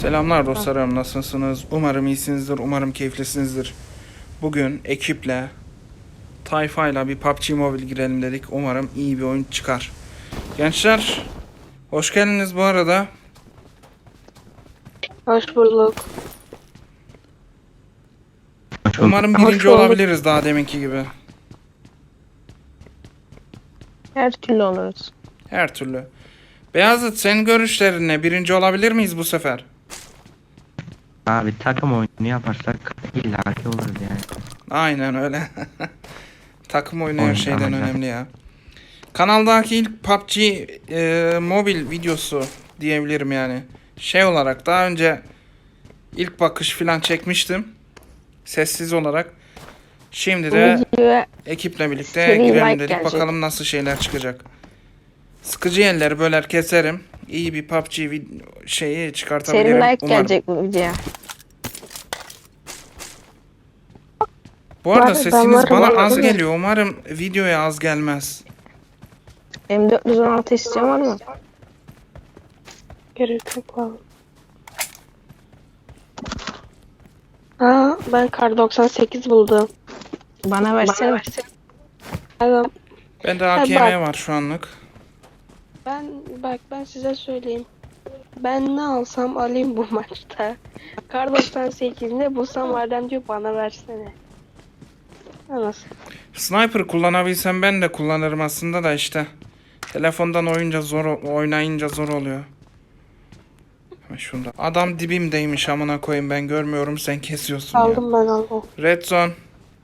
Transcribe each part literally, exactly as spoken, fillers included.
Selamlar dostlarım, nasılsınız? Umarım iyisinizdir, umarım keyiflisinizdir. Bugün ekiple, tayfayla bir P U B G Mobile girelim dedik. Umarım iyi bir oyun çıkar. Gençler, hoş geldiniz bu arada. Hoş bulduk. Umarım Hoş birinci bulduk. olabiliriz daha deminki gibi. Her türlü oluruz. Her türlü. Beyazıt, senin görüşlerin ne? Birinci olabilir miyiz bu sefer? Abi takım oyunu yaparsak illaki oluruz yani. Aynen öyle. Takım oyunu her Oyun şeyden amacı. önemli ya. Kanaldaki ilk P U B G e, mobil videosu diyebilirim yani. Şey olarak daha önce ilk bakış filan çekmiştim. Sessiz olarak. Şimdi de Videoya ekiple birlikte seri girelim like dedik. gelecek. Bakalım nasıl şeyler çıkacak. Sıkıcı yerleri böler keserim. İyi bir P U B G vid- şeyi seri çıkartabilirim like umarım. gelecek bu videoya. Bu arada Var, ben sesiniz varım, bana varım, az değil mi? geliyor. Umarım videoya az gelmez. M dört yüz on altı isteyen var mı? Gerek yok abi. Aa, ben kar doksan sekiz buldum. Bana versene. Adam, Bende Ha, A K M bak. var şu anlık. ben bak ben size söyleyeyim. Ben ne alsam alayım bu maçta. Kar doksan sekiz ne bulsam adam diyor bana versene. Nasıl? Sniper kullanabilsem ben de kullanırım aslında da işte. Telefondan oyunca zor oynayınca zor oluyor. Hemen şunda. Adam dibimdeymiş amına koyayım, ben görmüyorum, sen kesiyorsun ya. Aldım ben aldım. Red zone.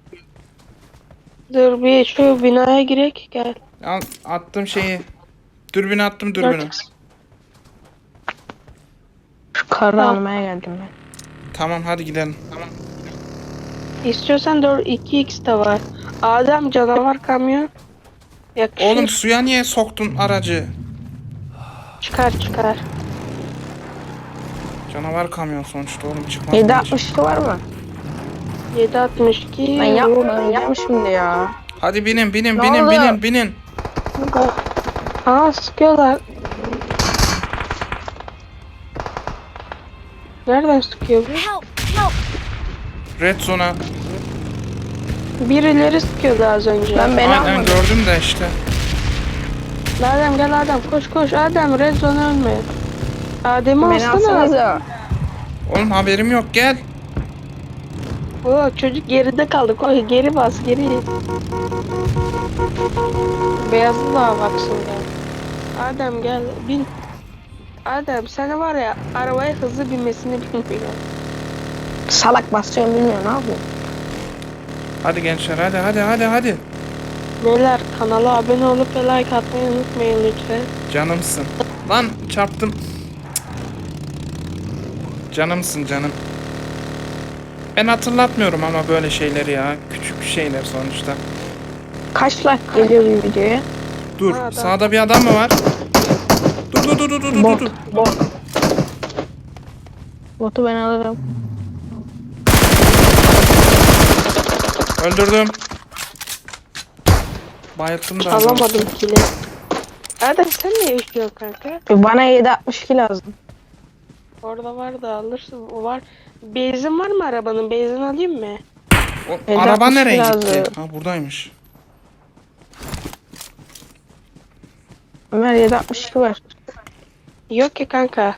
Dur bir şu binaya girek gel. Al, attım şeyi. Dürbünü attım, dürbünü. Şu karı almaya geldim ben. Tamam hadi gidelim. Tamam. İstiyorsan dört iki x de var. Adem canavar kamyon. Yakışır. Oğlum suya niye soktun aracı? Çıkar çıkar. Canavar kamyon sonuçta oğlum, çıkmaz yedi mı hiç? altmış iki var mı? yedi altmış iki. Ben yapma ben yapmışım de ya. Hadi binin binin Ne binin oldu? binin binin. Aa sıkıyorlar. Nereden sıkıyor bu? Red zone'a. Birileri sıkıyordu az önce. Ben beni Aynen gördüm de işte. Adem gel Adem koş koş Adem red zone ölme. Adem'i alsana. Oğlum haberim yok, gel. Oo, çocuk geride kaldı. Koy geri bas geri. Beyazlı da baksın ya. Adem gel bin. Adem sen var ya arabaya hızlı binmesini bilmiyor. Salak basıyorum bilmiyor ne yapıyor. Hadi gençler, hadi hadi hadi hadi. Beyler kanala abone olup ve like atmayı unutmayın lütfen. Canımsın. Lan çarptım. Canımsın canım. Ben hatırlatmıyorum ama böyle şeyleri ya. Küçük şeyler sonuçta. Kaç like geliyor bir videoya? Dur, Ha, adam. sağda bir adam mı var? Dur dur dur dur dur dur Bot, dur. bot. Botu ben alırım. Öldürdüm. Bayılttım da. adamı. Alamadım kili. Adem sen ne yaşıyorsun kanka? Bana yedi altmış iki lazım. Orada var da alırsın. O var. Benzin var mı arabanın? Benzin alayım mı? O, Elde araba altmış nereye lazım. gitti? Ha buradaymış. Ömer yedi altmış iki var. Yok ki kanka.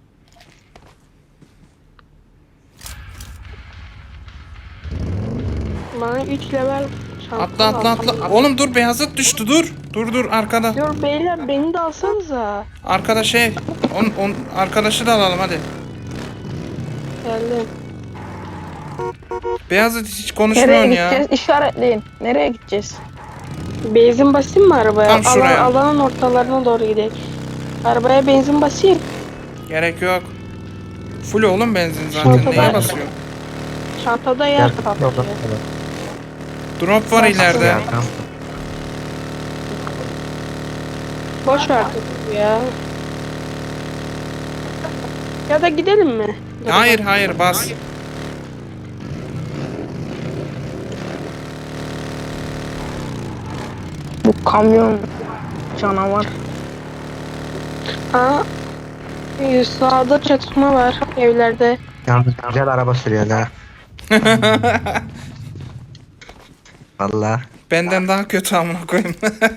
Bana üç level şampiyon Atla atla alsam- atla. Oğlum dur, beyazıt düştü, dur. Dur dur arkada. Dur beyler beni de alsanıza. Arkada şey. On, on, arkadaşı da alalım hadi. Geldim. Beyazıt hiç konuşmuyorsun ya. İşaretleyin. Nereye gideceğiz? Benzin basayım mı arabaya? Tam şuraya. Alan, alanın ortalarına doğru gidelim. Arabaya benzin basayım. Gerek yok. Full oğlum benzin zaten. Çantada- Neye basıyor? Çantada yer Gel kaplıyor. yolda. Drop var ileride. Ya, tamam. Boş ver topu ya. Ya da gidelim mi? Hayır hayır bas. Bu kamyon canavar. Aa, Ee, Sağda çatışma var evlerde. Yalnız güzel araba sürüyor ha. Valla. Benden daha kötü amına koyayım.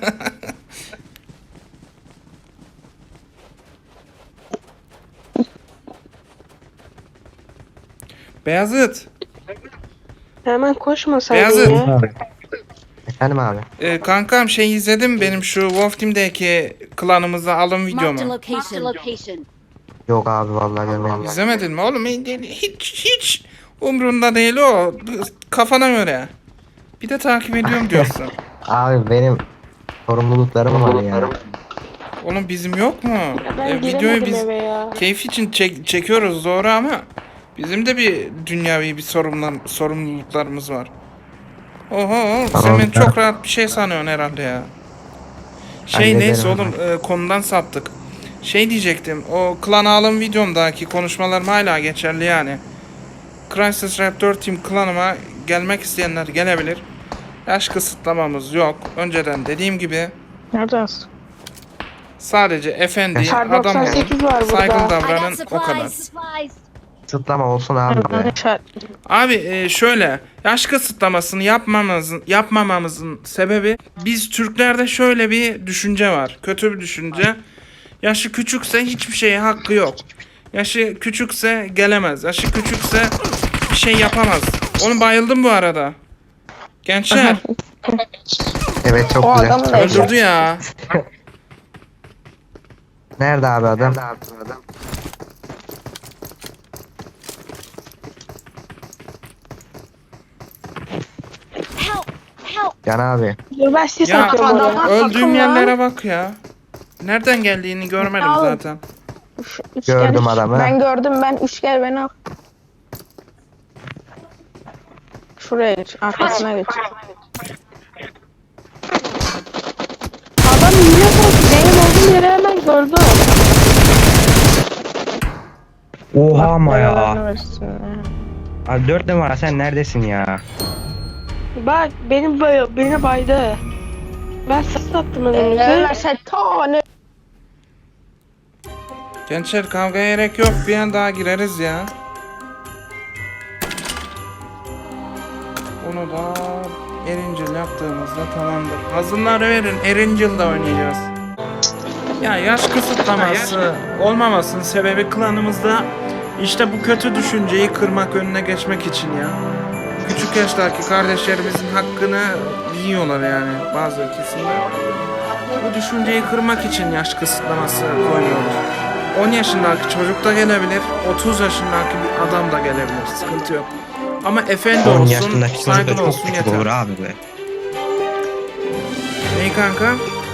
Beyazıt. Hemen koşmasaydın Beyazıt. ya. Efendim abi. Ee, kankam şey izledim benim şu Wolf Team'deki klanımıza alım Marked a videomu. location. location. Yok abi vallahi görmedim. İzlemedin mi oğlum? Hiç hiç umrunda değil o. Kafana göre. Bir de takip ediyorum diyorsun. Abi benim sorumluluklarım var ya. Oğlum bizim yok mu? Ben E, videoyu giremedim biz eve ya. keyif için çek- çekiyoruz doğru ama bizim de bir dünyavi bir sorumlar, sorumluluklarımız var. Oho oğlum, sen Tamam, beni tamam. çok rahat bir şey sanıyorsun herhalde ya. Şey Hallederim neyse abi. oğlum e, konudan saptık. Şey diyecektim, o klan alım videomdaki konuşmalarım hala geçerli yani. Crysis Raptor Team klanıma gelmek isteyenler gelebilir. Yaş kısıtlamamız yok. Önceden dediğim gibi Neredesin? sadece efendi, Kar adam olun, doksan sekiz var burada. saygılı I got davranın o kadar. supplies. Sıtlama olsun abi be. Abi e, şöyle yaş kısıtlamasını yapmamamızın yapmamamızın sebebi biz Türklerde şöyle bir düşünce var. Kötü bir düşünce. Yaşı küçükse hiçbir şeye hakkı yok. Yaşı küçükse gelemez. Yaşı küçükse bir şey yapamaz. Onu bayıldım bu arada. Gençler Evet çok O güzel. adam Çok da güzel. öldürdü ya. Nerede abi adam? Help! Help! Can abi. Dur ben size Ya satıyorum oraya. öldüğüm yerlere bak ya. Nereden geldiğini görmedim Al. zaten. Üçgen. Gördüm adamı. Ben gördüm ben üçgen beni al. Şuraya geç. Arkasına geç. Adam yine bak. Benim olduğum yere hemen gördü. Oha ama ya. Belanı versin ya. Abi dört numara sen neredesin ya? Bak benim bay beni baydı. Ben ses attım Belanı önümüze. versin tane. Gençler kavgaya gerek yok. Bir an daha gireriz ya. Onu da Erincil yaptığımızda tamamdır. Hazırları verin. Erincil'de oynayacağız. Ya yaş kısıtlaması olmamasının sebebi klanımızda işte bu kötü düşünceyi kırmak, önüne geçmek için ya. Küçük yaştaki kardeşlerimizin hakkını yiyorlar yani bazı kesimler. Bu düşünceyi kırmak için yaş kısıtlaması koyuyoruz. on yaşındaki çocuk da gelebilir, otuz yaşındaki bir adam da gelebilir. Sıkıntı yok. Ama efendi on olsun, yaşındaki çocuk da saygılı çok olsun küçük yeter. olur abi be. Ney kanka?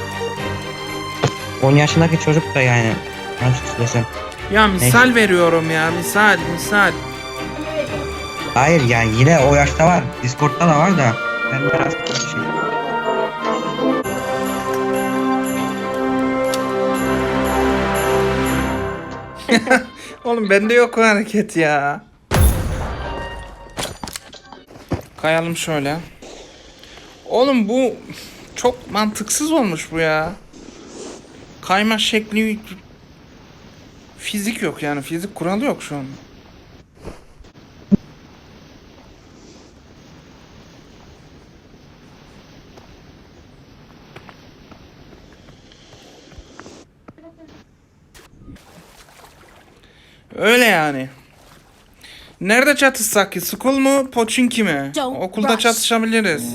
on yaşındaki çocuk da yani. Nasıl desem. Ya misal veriyorum ya, misal, misal. Hayır yani yine o yaşta var. Discord'da da var da. Ben biraz şey. Oğlum bende yok o hareket ya. Kayalım şöyle. Oğlum bu çok mantıksız olmuş bu ya. Kayma şekli fizik yok yani fizik kuralı yok şu an. Öyle yani. Nerede çatışsak ki? School mu? Pochinki mi? Don't Okulda rush. çatışabiliriz.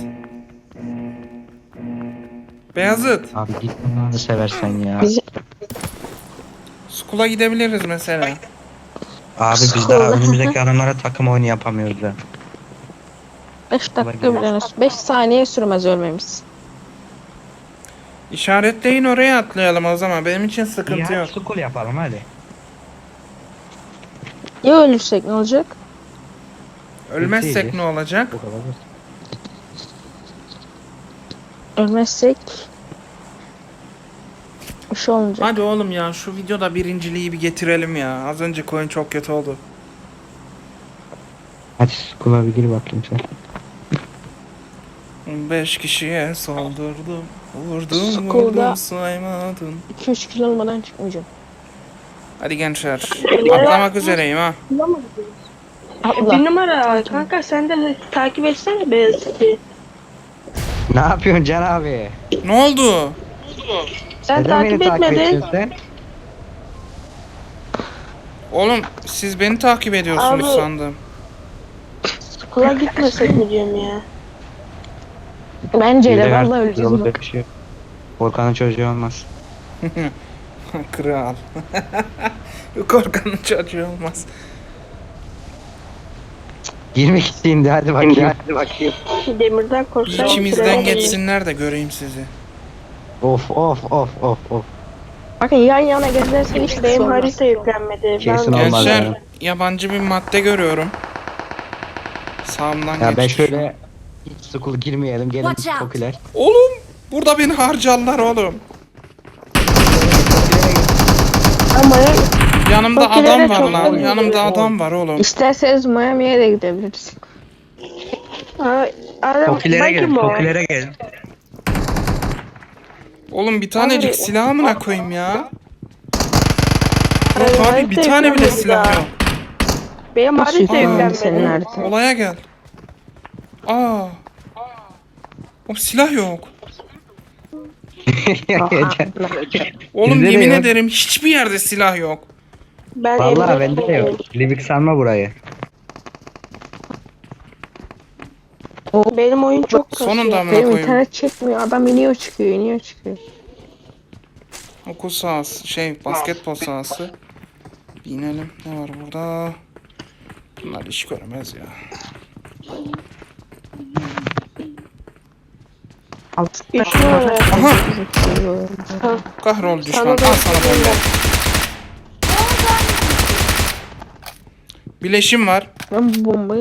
Beyazıt. Abi git bunu seversen ya. Biz- School'a gidebiliriz mesela. Abi biz daha önümüzdeki adamlara takım oyunu yapamıyoruz da. beş dakika bile beş saniye sürmez ölmemiz. İşaretleyin oraya atlayalım o zaman. Benim için sıkıntı Ya yok. school yapalım hadi. Ya ölürsek ne olacak? Ölmezsek Ülkeyiz. ne olacak? Bu kadar. Ölmezsek bir şey olmayacak. Hadi oğlum ya şu videoda birinciliği bir getirelim ya. Az önce coin çok kötü oldu. Hadi school'a bir gir bakayım sen. Beş kişiye saldırdım. Vurdum School'da- vurdum saymadın. iki üç kilo olmadan çıkmayacağım. Hadi gençler. Atlamak üzereyim ha. Atla. Bir numara kanka sen de takip etsene Beyazıt'ı. Ne yapıyorsun Can abi? Ne oldu? Sen Neden takip beni takip etmedin. ediyorsun sen? Oğlum siz beni takip ediyorsunuz Abi. sandım. Okula gitmesek mi diyorum ya. Bence Bir de de vallahi artık öleceğiz yolu bak. bir şey yok. Volkan'ın çocuğu olmaz. Kral. Korkanın çocuğu olmaz. yirmi kişi indi hadi bakayım. Hadi bakayım. Demirden Bir korksaydım. içimizden geçsinler de göreyim sizi. Of of of of of. Bakın yan yana gezersen hiç Benim olmaz. harita yüklenmedi. Kesin Ben olmaz Gençler yani. yabancı bir madde görüyorum. Sağımdan Ya ben geçmiş. şöyle hiç school girmeyelim gelin Watch out. popüler. Oğlum burada beni harcarlar oğlum. ama Yanımda Fakirlere adam var çok lan. oluyor. Yanımda adam var oğlum. İsterseniz Miami'ye de gidebiliriz. ha, adam Popülere belki gelin mi o? popülere gelin. Oğlum bir tanecik Abi- silahımına koyayım ya. Abi, Yok abi harita bir tane bile yüklenmedi silah daha. yok. Benim Nasıl harita yüklenmedi senin yüklenmedi. haritan? Olaya gel. Aa. O silah yok. Oğlum Bizde de yemin yok. ederim hiçbir yerde silah yok. Ben Vallahi evde bende de yok. Livik sanma burayı. Benim oyun çok kasıyor. Sonunda amına Benim koyayım. internet çekmiyor. Adam iniyor çıkıyor, iniyor çıkıyor. Okul sahası, şey basketbol sahası. Bir inelim. Ne var burada? Bunlar iş görmez ya. Üç numara. Aha! Kahrol düşman. Al Sana da- sana bomba. Bileşim var. Ben bu bombayı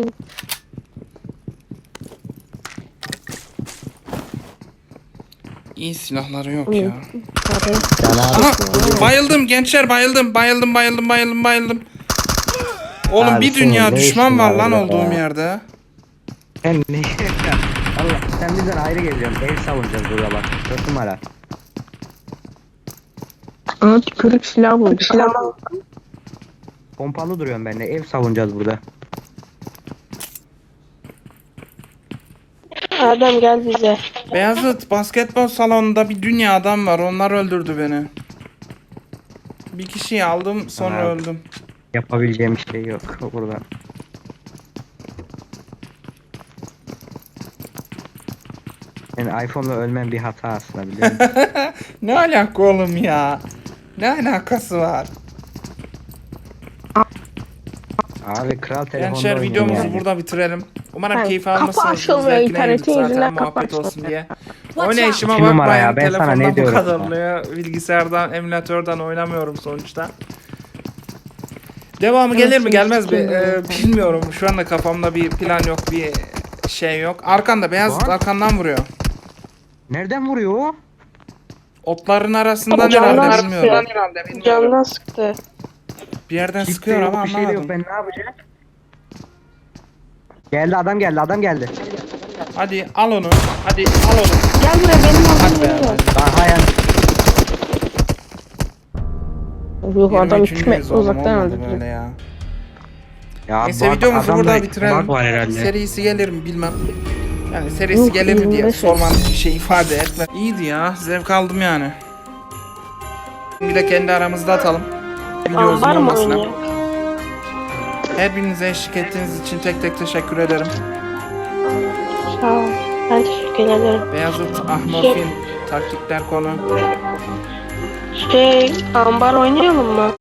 İyi silahları yok ya. parayı Can abi. Aha! Bayıldım gençler bayıldım. Bayıldım bayıldım bayıldım bayıldım. Oğlum Abi bir senin dünya ne düşman işin var var lan burada olduğum ya? yerde. Sen ne? Allah sen bizden ayrı geliyorsun. Ev savunacağız burada bak. Dört numara. Ama tükürük silah buldu. Tamam. Pompalı duruyorum ben de. Ev savunacağız burada. Adam gel bize. Beyazıt basketbol salonunda bir dünya adam var. Onlar öldürdü beni. Bir kişiyi aldım sonra Aha. öldüm. Yapabileceğim bir şey yok burada. Yani iPhone'la ölmem bir hata aslında biliyor musun? Ne alaka oğlum ya? Ne alakası var? Abi kral telefonda Gençler oynuyor videomuzu yani. burada bitirelim. Umarım Ha, keyif kapı almışsınız. açılmıyor, Zevkine internetin girdik zaten yüzünden kapı muhabbet olsun açılmıyor. diye. Watch Oynayışıma out. İki numara bakmayın. ya, ben sana Telefondan ne bu diyorum kadar ya? oluyor. Bilgisayardan, emülatörden oynamıyorum sonuçta. Devamı Evet, gelir mi gelmez mi? kesinlikle. Ee, bilmiyorum. Şu anda kafamda bir plan yok, bir şey yok. Arkanda beyaz Var. arkandan vuruyor. Nereden vuruyor o? Otların arasından Camdan herhalde sıkıyor. bilmiyorum. Candan sıktı. Bir yerden Hiçbir sıkıyor yok, ama bir şey de yok. anlamadım. Ben ne yapacağım? Geldi adam geldi adam geldi. Hadi al onu. Hadi al onu. Gel buraya benim Hadi olduğum be. yere gel. Daha yani. Yok adam yirmi üç iki metre ünlüyüz oğlum, uzaktan olmadı öldürdü. böyle ya. Ya Neyse bak, videomuzu adamda burada bitirelim. bug var herhalde. Serisi gelir mi bilmem. Yani serisi Yok, gelir mi diye yirmi beş sormanız bir şey ifade etmez. İyiydi ya. Zevk aldım yani. Bir de kendi aramızda atalım. Video uzun Ambar mı olmasına. oynuyor? Her birinize eşlik ettiğiniz için tek tek teşekkür ederim. Sağ ol. Ben teşekkür ederim. Beyazıt, Ahmorfin, taktikler konu. Şey, ambar oynayalım mı?